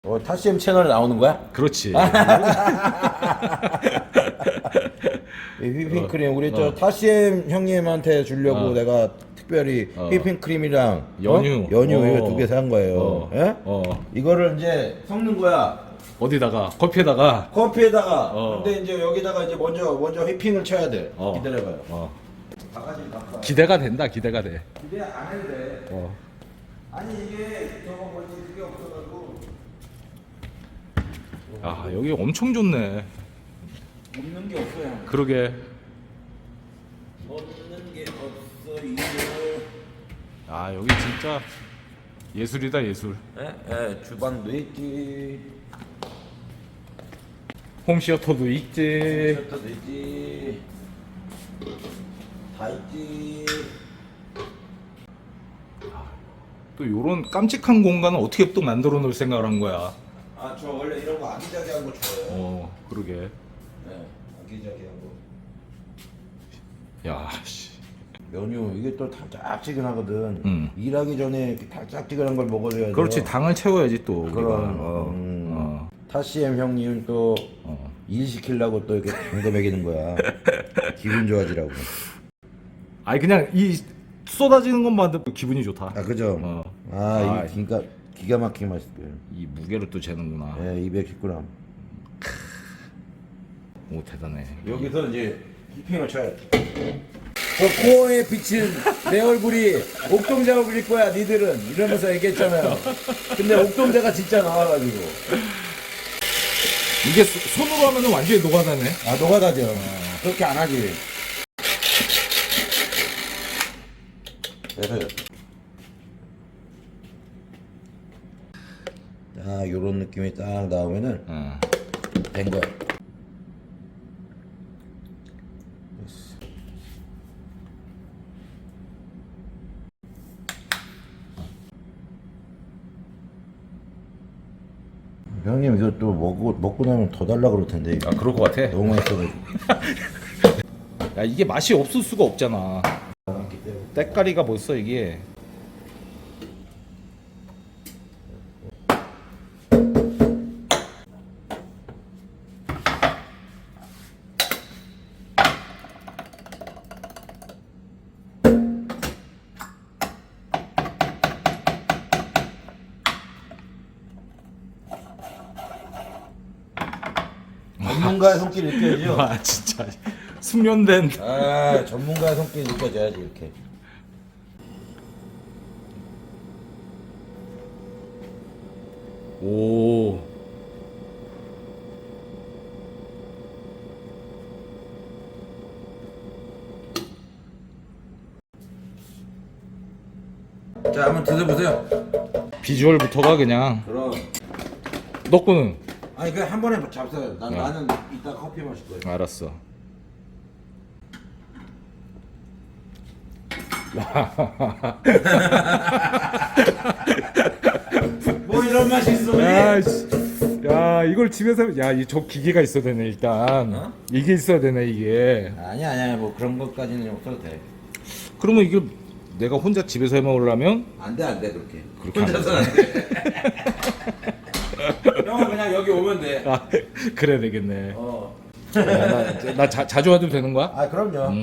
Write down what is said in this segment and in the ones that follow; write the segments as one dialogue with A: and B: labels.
A: 타시엠 채널에 나오는 거야?
B: 그렇지.
A: 휘핑크림 우리 저 타시엠 형님한테 주려고 내가 특별히 휘핑크림이랑
B: 연유.
A: 연유 이거 2개 산 거예요. 예? 이거를 이제 섞는 거야.
B: 어디다가 커피에다가.
A: 커피에다가. 근데 이제 여기다가 이제 먼저 휘핑을 쳐야 돼. 기다려봐요. 바가지 갖고 와.
B: 기대가 된다. 기대가 돼.
A: 기대 안 해도 돼. 아니 이게 저거 뭐지 그게 없어가지고.
B: 아 여기 엄청 좋네.
A: 없는 게 없어요.
B: 그러게.
A: 없는 게 없어 이거.
B: 아 여기 진짜 예술이다 예술.
A: 예, 주방도 있지.
B: 홈시어터도 있지.
A: 셔터도 있지. 다 있지.
B: 또 요런 깜찍한 공간을 어떻게 또 만들어 놓을 생각을 한 거야.
A: 아, 저 원래 이런 거 아기자기한 거 좋아해요.
B: 그러게.
A: 네, 아기자기한 거.
B: 야 씨.
A: 메뉴 이게 또 달짝지근하거든. 일하기 전에 이렇게 달짝지근한 걸 먹어줘야 돼.
B: 그렇지 당을 채워야지 또.
A: 그럼. 타시엠 형님 또 일 시키려고 또 이렇게 당도 먹이는 거야. 기분 좋아지라고.
B: 아니 그냥 이 쏟아지는 것만 봐도 기분이 좋다.
A: 아, 그죠?
B: 아,
A: 이게 그러니까 기가 막히게 맛있어요.
B: 이 무게를 또 재는구나.
A: 예, 210g.
B: 오 대단해.
A: 여기서 이제 휘핑을 쳐야 돼. 저 코어에 비친 내 얼굴이 옥동자가 그릴 거야, 니들은. 이러면서 얘기했잖아요. 근데 옥동자가 진짜 나와가지고.
B: 이게 손으로 하면은 완전히 녹아다네.
A: 아, 노가다죠. 그렇게 안 하지. 그래서. 자, 요런 느낌이 딱 나오면은 된 거야. 형님 이거 또 먹고 나면 더 달라 그럴 텐데.
B: 아 그럴 것 같아.
A: 너무 맛있어가지고.
B: 야 이게 맛이 없을 수가 없잖아. 때깔이가 벌써 이게.
A: 전문가의 손길이 느껴지죠?
B: 와 진짜 숙련된.
A: 아, 전문가의 손길이 느껴져야지 이렇게.
B: 오.
A: 자, 한번 드셔보세요.
B: 비주얼부터가 그냥.
A: 그럼.
B: 너 거는?
A: 아니 그냥 한 번에 잡숴요. 나는 이따 커피 마실 거예요.
B: 알았어.
A: 뭐 이런 맛이 있어?
B: 야, 씨. 야 이걸 집에서 저 기계가 있어야 되네 일단. 이게 있어야 되네 이게.
A: 아니야 뭐 그런 것까지는 없어도 돼.
B: 그러면 이게 내가 혼자 집에서 해 먹으려면
A: 안 돼 그렇게.
B: 그렇게
A: 혼자서는 안 돼. 형은 그냥 여기 오면 돼.
B: 그래야 되겠네. 나 자주 와도 되는 거야?
A: 아, 그럼요.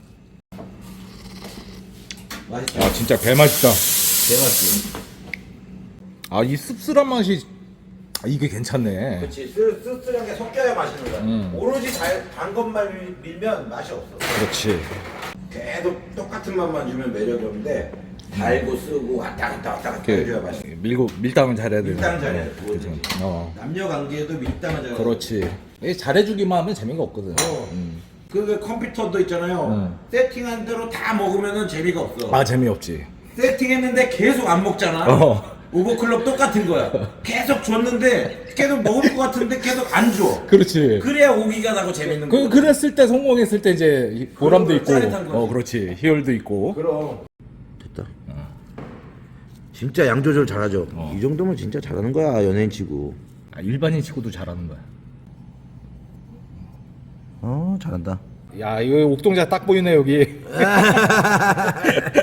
A: 맛있다.
B: 야 진짜 개 맛있다.
A: 대맛이.
B: 아 이 씁쓸한 맛이 이게 괜찮네.
A: 그렇지. 쓰쓰한 게 섞여야 맛있는 거야. 오로지 단 것만 밀면 맛이 없어.
B: 그렇지.
A: 계속 똑같은 맛만 주면 매력이 없는데 달고 쓰고 왔다 갔다 해줘야 맛있어.
B: 밀당은 잘해야 돼.
A: 밀당은 잘해야 돼.
B: 그죠.
A: 남녀 관계에도 밀당은 잘해야 돼.
B: 그렇지. 이게 잘해주기만 하면 재미가 없거든.
A: 그 컴퓨터도 있잖아요. 세팅한 대로 다 먹으면은 재미가 없어.
B: 아 재미없지.
A: 세팅했는데 계속 안 먹잖아. 오버클럭 똑같은 거야. 계속 줬는데 계속 먹을 것 같은데 계속 안 줘.
B: 그렇지.
A: 그래야 오기가 나고 재밌는 거야.
B: 그랬을 때 성공했을 때 이제 보람도 있고.
A: 짜릿한 거지.
B: 그렇지. 희열도 있고.
A: 그럼. 됐다. 진짜 양 조절 잘하죠. 이 정도면 진짜 잘하는 거야 연예인 치고.
B: 일반인 치고도 잘하는 거야.
A: 잘한다.
B: 야 이거 옥동자 딱 보이네 여기.